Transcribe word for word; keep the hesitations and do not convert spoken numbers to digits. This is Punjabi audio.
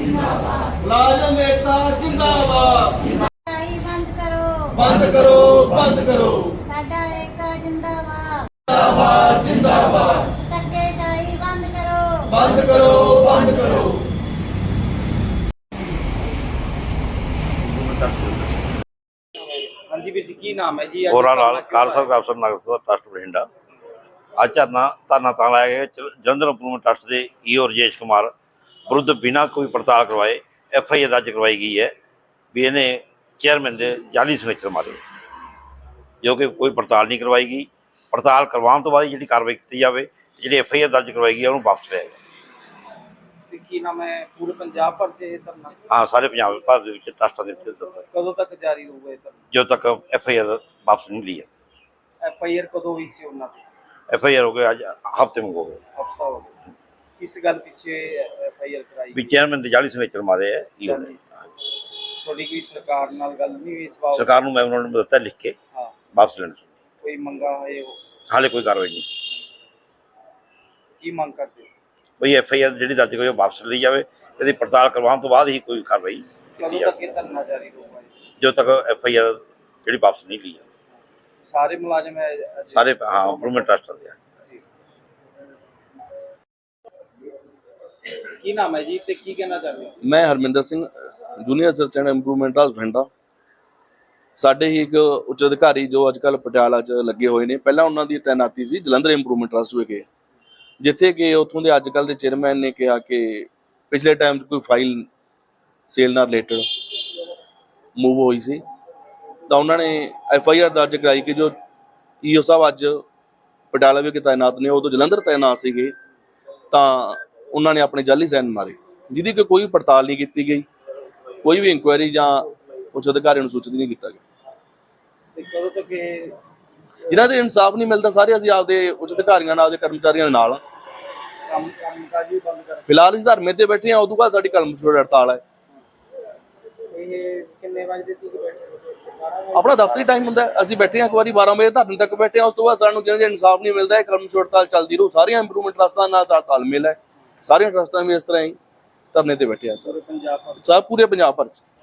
मुलाजम एकता जिंदाबाद। बंद करो बंद करो बंद करो साडा एकता जिंदाबाद जिंदाबाद जिंदाबाद। धक्केशाही बंद करो बंद करो बंद करो। हाँ जी वीर जी की नाम है जी? ਗੋਰਾ ਲਾਲ ਖਾਲਸਾ ਅਫਸਰ ਨਗਰ ਟਰਸਟ ਬਠਿੰਡਾ। ਅੱਜ ਧਰਨਾ ਧਰਨਾ ਤਾਂ ਲਾਇਆ ਗਿਆ ਜਲੰਧਰ ਇੰਪਰੂਵਮੈਂਟ ਟਰਸਟ ਦੇ ਈਓ ਰਜੇਸ਼ ਕੁਮਾਰ ਵਿਰੁੱਧ ਬਿਨਾਂ ਕੋਈ ਪੜਤਾਲ ਕਰਵਾਏ ਐਫ ਆਈ ਆਰ ਦਰਜ ਕਰਵਾਈ ਗਈ ਹੈ ਵੀ ਇਹਨੇ ਚੇਅਰਮੈਨ ਦੇ ਜਾਲੀ ਸਿਗਨੇਚਰ ਮਾਰੇ, ਜੋ ਕਿ ਕੋਈ ਪੜਤਾਲ ਨਹੀਂ ਕਰਵਾਈ ਗਈ। ਪੜਤਾਲ ਕਰਵਾਉਣ ਤੋਂ ਬਾਅਦ ਜਿਹੜੀ ਕਾਰਵਾਈ ਕੀਤੀ ਜਾਵੇ, ਜਿਹੜੀ ਐਫ ਆਈ ਆਰ ਦਰਜ ਕਰਵਾਈ ਗਈ ਉਹਨੂੰ ਵਾਪਸ ਲਿਆ ਜਾਵੇ। की नाम है? पूरे पंजाब भर से ये धरना ਹਾਂ, ਸਾਰੇ ਪੰਜਾਬ ਭਾਰਤ ਦੇ ਵਿੱਚ ਟਰਸਟਾਂ ਦੇ ਵਿੱਚ कदों तक जारी होगा? ये धरना ਜਦੋਂ ਤੱਕ ਐਫ ਆਈ ਆਰ ਵਾਪਸ ਨਹੀਂ ਲਈ ਹੈ। एफ आई आर कदों हुई सी उन्होंने? ਐਫ ਆਈ ਆਰ ਹੋ ਗਏ ਅੱਜ ਹਫ਼ਤੇ ਮੰਗੋ ਗਏ हफ्ता हो गया। किस गल पिछे एफ आई आर कराई? ਵੀ ਚੇਅਰਮੈਨ ਦੇ ਜਾਲੀ ਸਿਗਨੇਚਰ ਮਾਰੇ ਹੈ ਈਓ ਨੇ। थोड़ी कोई सरकार नाल गल नहीं हुई इस बात? ਸਰਕਾਰ ਨੂੰ ਮੈਂ ਉਹਨਾਂ ਨੂੰ ਦਿੱਤਾ ਲਿਖ ਕੇ हाँ, ਵਾਪਸ ਲੈਣ। कोई मंगा है वो ਹਾਲੇ ਕੋਈ ਕਾਰਵਾਈ ਨਹੀਂ। की मांग करते हो? ਬਈ ਐਫ ਆਈ ਆਰ ਜਿਹੜੀ ਦਰਜ ਹੋਈ ਉਹ ਵਾਪਸ ਲਈ ਜਾਵੇ। ਇਹਦੀ ਪੜਤਾਲ ਕਰਵਾਉਣ ਤੋਂ ਬਾਅਦ ਹੀ ਕੋਈ ਕਾਰਵਾਈ ਕੀਤੀ कदों ਜਾਵੇ, तक ये धरना जारी होगा? ਜਦੋਂ ਤੱਕ ਐਫ ਆਈ ਆਰ ਜਿਹੜੀ ਵਾਪਸ ਨਹੀਂ ਲਈ ਜਾਵੇ। सारे मुलाजिम है ਸਾਰੇ ਹਾਂ ਇੰਪਰੂਵਮੈਂਟ ਟਰਸਟ ਦੇ ਆ। की नाम है जी ते की कहना चाहते हो? मैं Harminder Singh junior assistant improvement trust Bathinda. ਸਾਡੇ ਹੀ ਇੱਕ ਉੱਚ ਅਧਿਕਾਰੀ ਜੋ ਅੱਜ ਕੱਲ੍ਹ ਪਟਿਆਲਾ 'ਚ ਲੱਗੇ ਹੋਏ ਨੇ, ਪਹਿਲਾਂ ਉਹਨਾਂ ਦੀ ਤੈਨਾਤੀ ਸੀ ਜਲੰਧਰ ਇੰਪਰੂਵਮੈਂਟ ਟਰਸਟ ਵਿਖੇ, ਜਿੱਥੇ ਕਿ ਉੱਥੋਂ ਦੇ ਅੱਜ ਕੱਲ੍ਹ ਦੇ ਚੇਅਰਮੈਨ ਨੇ ਕਿਹਾ ਕਿ ਪਿਛਲੇ ਟਾਈਮ 'ਚ ਕੋਈ ਫਾਈਲ ਸੇਲ ਨਾਲ ਰਿਲੇਟਡ ਮੂਵ ਹੋਈ ਸੀ ਤਾਂ ਉਹਨਾਂ ਨੇ ਐਫ ਆਈ ਆਰ ਦਰਜ ਕਰਾਈ ਕਿ ਜੋ ਈ ਓ ਸਾਹਿਬ ਅੱਜ ਪਟਿਆਲਾ ਵਿਖੇ ਤਾਇਨਾਤ ਨੇ, ਉਦੋਂ ਜਲੰਧਰ ਤਾਇਨਾਤ ਸੀਗੇ, ਤਾਂ ਉਹਨਾਂ ਨੇ ਆਪਣੇ ਜਾਲੀ ਸਾਈਨ ਮਾਰੇ, ਜਿਹਦੀ ਕਿ ਕੋਈ ਪੜਤਾਲ ਨਹੀਂ ਕੀਤੀ ਗਈ, ਕੋਈ ਵੀ ਇਨਕੁਆਇਰੀ ਜਾਂ ਉੱਚ ਅਧਿਕਾਰੀ ਨੂੰ ਸੂਚਿਤ ਨਹੀਂ ਕੀਤਾ ਗਿਆ। ते कदों तक ये ਜਿਨ੍ਹਾਂ ਦੇ ਇਨਸਾਫ ਨਹੀਂ ਮਿਲਦਾ ਸਾਰੇ ਅਸੀਂ ਆਪਦੇ ਉੱਚ ਅਧਿਕਾਰੀਆਂ ਨਾਲ, ਆਪਦੇ ਕਰਮਚਾਰੀਆਂ ਦੇ ਨਾਲ काम कामकाज भी बंद कर? ਫਿਲਹਾਲ ਅਸੀਂ ਧਰਨੇ ਤੇ ਬੈਠੇ ਹਾਂ, ਉਦੋਂ ਬਾਅਦ ਸਾਡੀ ਕਲਮ ਛੋੜ ਹੜਤਾਲ ਹੈ। ये कितने बजे तक बैठे? ਆਪਣਾ ਦਫ਼ਤਰੀ ਟਾਈਮ ਹੁੰਦਾ ਹੈ, ਅਸੀਂ ਬੈਠੇ ਹਾਂ ਇੱਕ ਵਾਰੀ ਬਾਰਾਂ ਵਜੇ ਧਰਨੇ ਤੱਕ ਬੈਠੇ ਹਾਂ, ਉਸ ਤੋਂ ਬਾਅਦ ਸਾਨੂੰ ਜਿਹਨਾਂ ਦੇ ਇਨਸਾਫ ਨਹੀਂ ਮਿਲਦਾ, ਇਹ ਕਲਮ ਛੋੜ ਹੜਤਾਲ ਚੱਲਦੀ ਰਹੂ। ਸਾਰੀਆਂ ਇੰਪਰੂਵਮੈਂਟ ਟਰਸਟਾਂ ਨਾਲ ਸਾਡਾ ਤਾਲਮੇਲ ਹੈ, ਸਾਰੀਆਂ ਟਰਸਟਾਂ ਵੀ ਇਸ ਤਰ੍ਹਾਂ ਹੀ ਧਰਨੇ ਤੇ ਬੈਠੇ ਆ ਸਰ, पंजाब भर ਸਭ ਪੂਰੇ ਪੰਜਾਬ ਭਰ 'ਚ।